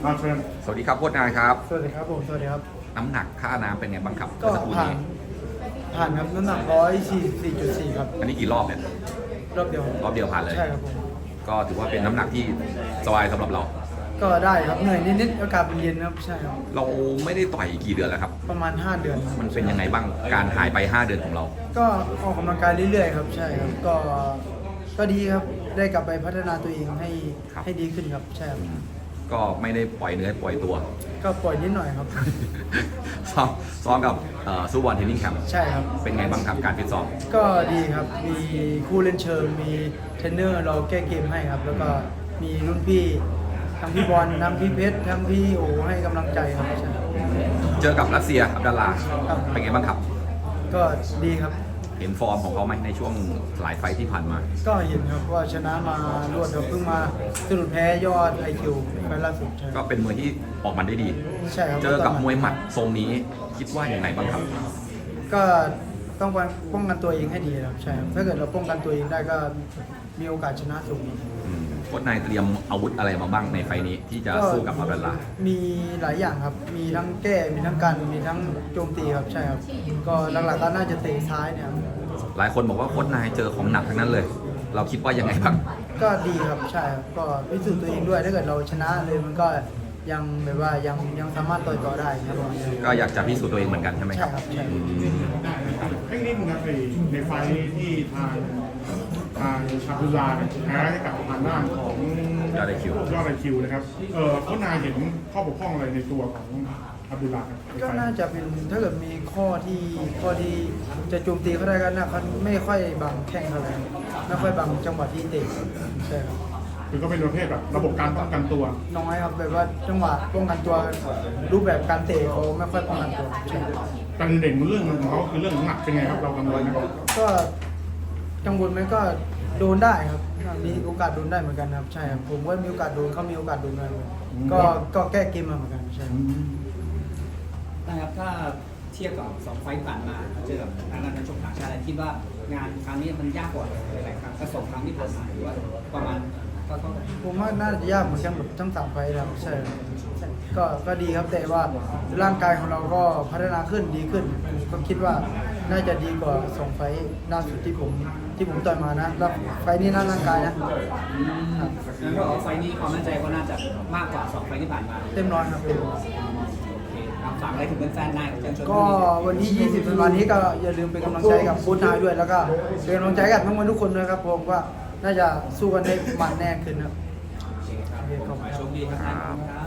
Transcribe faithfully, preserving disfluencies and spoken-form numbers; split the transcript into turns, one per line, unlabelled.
มาเชิญ
สวัสดีครับโค้ชนายครับ
สวัสดีครับผม สวัสดีครับ
น้ำหนักค่าน้ำเป็นไงบ้างครับ
ก็
เมื่อสักครู่
ผ่าน
นี้
ผ่านครับน้ำหนักร้อยสี่สิบสี่จุดสี่ครับ
อันนี้กี่รอบเนี่ย
รอบเดียว
รอบเดียวผ่านเลย
ใช่ครับผม
ก็ถือว่าเป็นน้ำหนักที่สบายสำหรับเรา
ก็ได้ครับเหนื่อยนิดๆอากาศเป็นเย็นครับใช่ครับ
เราไม่ได้ต่อยกี่เดือนแล้วครับ
ประมาณห้าเดือนครับ
มันเป็นยังไงบ้างการหายไปห้าเดือนของเรา
ก็ออกกำลังกายเรื่อยๆครับใช่ครับก็ก็ดีครับได้กลับไปพัฒนาตัวเองให้
ครับ
ให้ดีขึ้นครับใช่ครับ
ก็ไม่ได้ปล่อยเนื้อปล่อยตัว
ก็ปล่อยนิดหน่อยครับ
ซ้อมซ้อมกับเอ่อซูบอลเทรนนิ่งแคมป์
ใช่ครับ
เป็นไงบ้างครับการฟิตซ้อม
ก็ดีครับมีคู่เล่นเชิงมีเทรนเนอร์เราแก้เกมให้ครับ แล้วก็มีรุ่นพี่ทั้งพี่บอลทั้งพี่เพชรทั้งพี่โอให้กำลังใจครับใช่ครับ
เจอกับรัสเซียอับดัลลา
ครับ
เป็นไงบ้างครับ
ก็ดีครับ
เห็นฟอร์มของเขาไหมในช่วงหลายไฟท์ที่ผ่านมา
ก็เห็นครับว่าชนะมารวดครับเพิ่งมาสะดุดแพ้ยอดไอคิวไปล่าสุดใช่
ก็เป็นมวยที่ออกมันได้ดี
ใช่ครับ
เจอกับมวยหมัดทรงนี้คิดว่าอย่างไรบ้างครับ
ก็ต้องป้องกันตัวเองให้ดีครับใช่ครับถ้าเกิดเราป้องกันตัวเองได้ก็มีโอกาสชนะสูง
อืมโค้ชนายเตรียมอาวุธอะไรมาบ้างในไฟล์นี้ที่จะสู้กับอับดัลลา
มีหลายอย่างครับ มีทั้งแก้มีทั้งกันมีทั้งโจมตีครับใช่ครับก็หลักๆก็น่าจะเตะซ้ายเนี่ยครับ
หลายคนบอกว่าโค้ชนายเจอของหนักทั้งนั้นเลย เราคิดว่ายังไงบ้าง
ก็ดีครับใช่ครับก็พิสูจน์ตัวเองด้วยถ้าเกิดเราชนะเลยมันก็ยังแบบว่ายังยังสามารถต่อยต่อได้ครับผม
ก็อยากจะพิสูจน์ตัวเองเหมือนกันใช่ไหมค
ใช่
รับ
ครับใช่
อืม
ให้นิดนึงครับในในไฟล์ที่ทางทางอับดุลลาเนี่ยแพ้ให้กับทางด้านของ
ยอดไอคิวย
อดไอคิวนะครับเออโค้ชนายเห็นข้อบกพร่องอะไรในตัวของอับดุลลาครับใน
ก็
ไฟล์
น่าจะเป็นถ้าเกิดมีข้อที่ข้อที่จะโจมตีเขาได้ก็น่าเขาไม่ค่อยบังแข้งเท่าไหร่ไม่ค่อยบังจังหวะที่เตะใช่ครับ
คือก็เป็นประเภทแบบระบบการป้องกันตัว
น้อยครับแบบว่าจังหวะป้องกันตัวรูปแบบการเตะเขาไม่ค่อยป้องกันตัวใช่ครับ
การเด่นเรื่องของเขาคือเรื่องของหนักเป็นไงครับเรากังวลนะครับ
ก็กังวลไหมก็โดนได้ครับมีโอกาสโดนได้เหมือนกันครับใช่ครับผมว่ามีโอกาสโดนเขามีโอกาสโดนได้เหมือนกันก็ก็แก้เกมมาเหมือนกันใช่ครับ
นะครับถ้าเทียบกับสองไฟต์ผ่านมาเจอกับทางด้านนักชกต่างชาติคิดว่างานครั้งนี้มันยากกว่าหลายๆครั้งก็สองครั้งที่ผ่านมาหรือว่าประมาณเท่าๆกัน
ผมว่าน่าจะยากเหมือนกันแบบทั้งสามไฟล์ครับใช่ครับก็ก็ดีครับแต่ว่าร่างกายของเราก็พัฒนาขึ้นดีขึ้นก็คิดว่าน่าจะดีกว่าสองไฟล์ล่าสุดที่ผมที่ผมต่อยมานะแล้วไฟล์นี้น่าร่างกายนะครับ
งั้นก็ไฟต์นี้ความมั่นใจก็น่าจะมากกว่าสองไฟต์ที่ผ่านมา
เต็มร้อยครับเต็มร้อย
โอเคครับฝากอะไรถึงแฟนๆนายของเจมส์ชลบุรี
ก็วันที่ ยี่สิบธันวาคมนี้ก็อย่าลืมเป็นกำลังใจกับบูธนายด้วยแล้วก็เป็นกำลังใจกับทั้งวันทุกคนด้วยครับผมว่าน่าจะสู้กันได้มันแน่ขึ้นครับ
โอเคครับขอให้โชคดีครับ